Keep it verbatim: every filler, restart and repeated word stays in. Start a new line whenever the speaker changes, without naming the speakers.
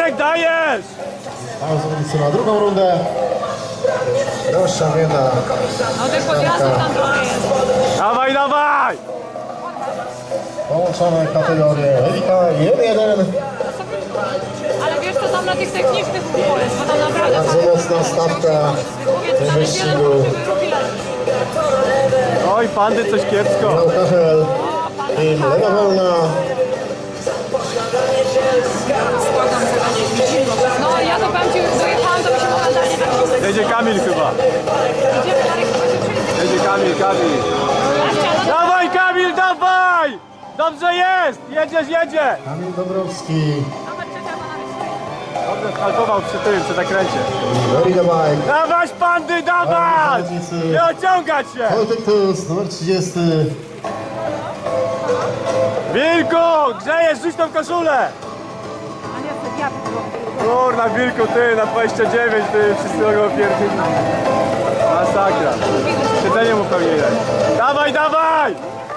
Wilczek, dajesz!
Pauza na drugą rundę. Droższa wieda.
No tych podjazdów tam trochę jest.
Dawaj, dawaj!
Połączone kategorie Elita jeden jeden.
Ale wiesz co, tam na tych technicznych było jest, bo tam naprawdę...
Bardzo mocna stawka w wyścigu.
Oj, pandy coś kiepsko.
Michał Kachel i Lewa Wolna.
No ja to powiem ci, dojechałam, to mi się momentalnie tak się...
Jedzie Kamil chyba.
Idziemy dalej, chyba się przejdzie.
Jedzie Kamil, Kamil. Dawaj, Kamil, dawaj! Dobrze jest! Jedziesz, jedzie!
Kamil Dobrowski.
Dobrze skalkował przy tym, przy zakręcie.
Very the bike.
Dawać, pandy, dawać! Nie ociągać się!
Wojtek Tus, numer trzydziesty.
Wilku, grzejesz, rzuć tą koszulę!
A nie, to ja
Kurna, Wilku, ty na dwadzieścia dziewięć, ty wszyscy mogą pierdzieć. Masakra. Siedzenie mu pewnie jest. Dawaj, dawaj!